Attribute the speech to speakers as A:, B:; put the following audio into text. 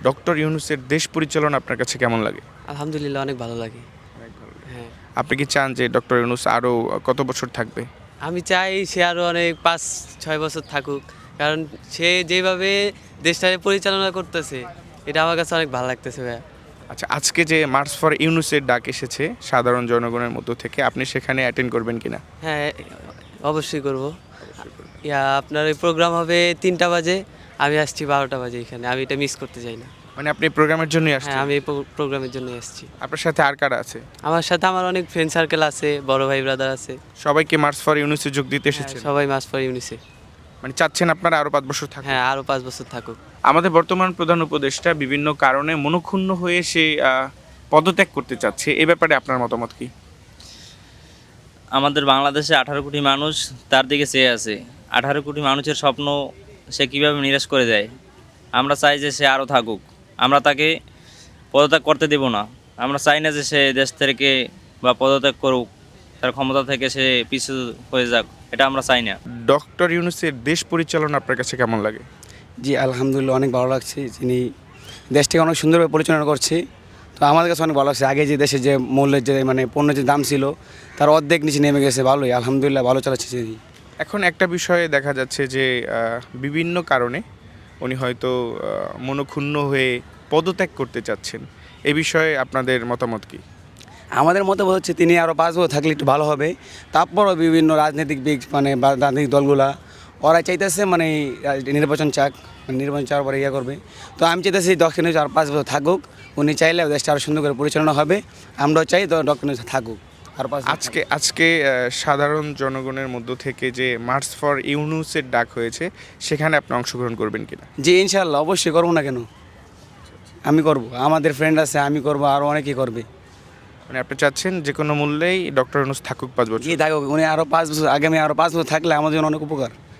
A: Doctor ইউনূসের দেশ পরিচালনা আপনার কাছে কেমন লাগে?
B: আলহামদুলিল্লাহ অনেক ভালো লাগে। হ্যাঁ,
A: আপনি কি চান যে ডক্টর ইউনূস আরও কত বছর থাকবে?
B: আমি চাই সে আরও অনেক 5-6 বছর থাকুক, কারণ সে যেভাবে দেশটাকে পরিচালনা করতেছে এটা আমার কাছে অনেক ভালো লাগতেছে ভাইয়া।
A: আচ্ছা, আজকে যে মার্চ ফর ইউনূসের ডাক এসেছে সাধারণ জনগণের মধ্য থেকে, আপনি সেখানে অ্যাটেন্ড করবেন কিনা?
B: হ্যাঁ, অবশ্যই করব। আপনার ওই প্রোগ্রাম হবে 3টা বাজে, আমি আসছি 12টা বাজে এখানে, আমি এটা মিস করতে চাই না।
A: মানে আপনি প্রোগ্রামের জন্যই
B: হ্যাঁ,
A: আসছেন?
B: আমি এই প্রোগ্রামের জন্যই আসছি।
A: আপনার সাথে আর কারা আছে?
B: আমার সাথে আমার অনেক ফ্রেন্ড সার্কেল আছে, বড় ভাই ব্রাদার আছে।
A: সবাইকে মার্চ ফর ইউনূসে যোগ দিতে
B: হ্যাঁ,
A: এসেছেন?
B: সবাই মাস পর ইউনিসে।
A: মানে চাচ্ছেন আপনারা আরও 5 বছর থাকুন?
B: হ্যাঁ, আরও 5 বছর থাকুক।
A: আমাদের বর্তমান প্রধান উপদেষ্টা বিভিন্ন কারণে মনক্ষুণ্ণ হয়ে সে পদত্যাগ করতে চাচ্ছে, এ ব্যাপারে আপনার মতামত কি?
C: আমাদের বাংলাদেশে 18 কোটি মানুষ তার দিকে চেয়ে আছে। 18 কোটি মানুষের স্বপ্ন সে কীভাবে নিরাশ করে দেয়। আমরা চাই যে সে আরও থাকুক, আমরা তাকে পদত্যাগ করতে দেব না। আমরা চাই না যে সে দেশ থেকে বা পদত্যাগ করুক, তার ক্ষমতা থেকে সে পিছু হয়ে যাক, এটা আমরা চাই না।
A: ডক্টর ইউনূসের দেশ পরিচালনা আপনার কাছে কেমন লাগে?
D: জি আলহামদুলিল্লাহ অনেক ভালো লাগছে, তিনি দেশটাকে অনেক সুন্দরভাবে পরিচালনা করছে। তো আমাদের কাছে অনেক ভালো লাগছে। আগে যে দেশে যে মূল্যের যে মানে পণ্যের যে দাম ছিল তার অর্ধেক নিচে নেমে গেছে, ভালোই আলহামদুলিল্লাহ ভালো চালাচ্ছে তিনি।
A: এখন একটা বিষয়ে দেখা যাচ্ছে যে বিভিন্ন কারণে উনি হয়তো মনক্ষুণ্ণ হয়ে পদত্যাগ করতে চাচ্ছেন, এ বিষয়ে আপনাদের মতামত কি?
D: আমাদের মতে হচ্ছে তিনি আরও 5 বছর থাকলে একটু ভালো হবে। তারপরও বিভিন্ন রাজনৈতিক দিক মানে বা রাজনৈতিক দলগুলা ওরা চাইতেছে মানে নির্বাচন চাক, মানে নির্বাচন চাওয়ার পরে ইয়ে করবে। তো আমি চাইতেছি ডক্টর ইউনূস আর 5 বছর থাকুক, উনি চাইলে দেশটা আরও সুন্দর করে পরিচালনা হবে। আমরাও চাই তো ডক্টর ইউনূস থাকুক আর 5 বছর।
A: আজকে সাধারণ জনগণের মধ্য থেকে যে মার্চ ফর ইউনূসের ডাক হয়েছে, সেখানে আপনি অংশগ্রহণ করবেন কিনা?
D: জি ইনশাল্লাহ অবশ্যই করবো না কেন, আমি করব, আমাদের ফ্রেন্ড আছে, আমি করব, আরও অনেকেই করবে।
A: মানে আপনি চাচ্ছেন যে কোনো মূল্যেই ডক্টর ইউনূস থাকুক 5 বছর?
D: জি থাকুক, উনি আরও 5 বছর, আগামী আরও 5 বছর থাকলে আমাদের জন্য অনেক উপকার।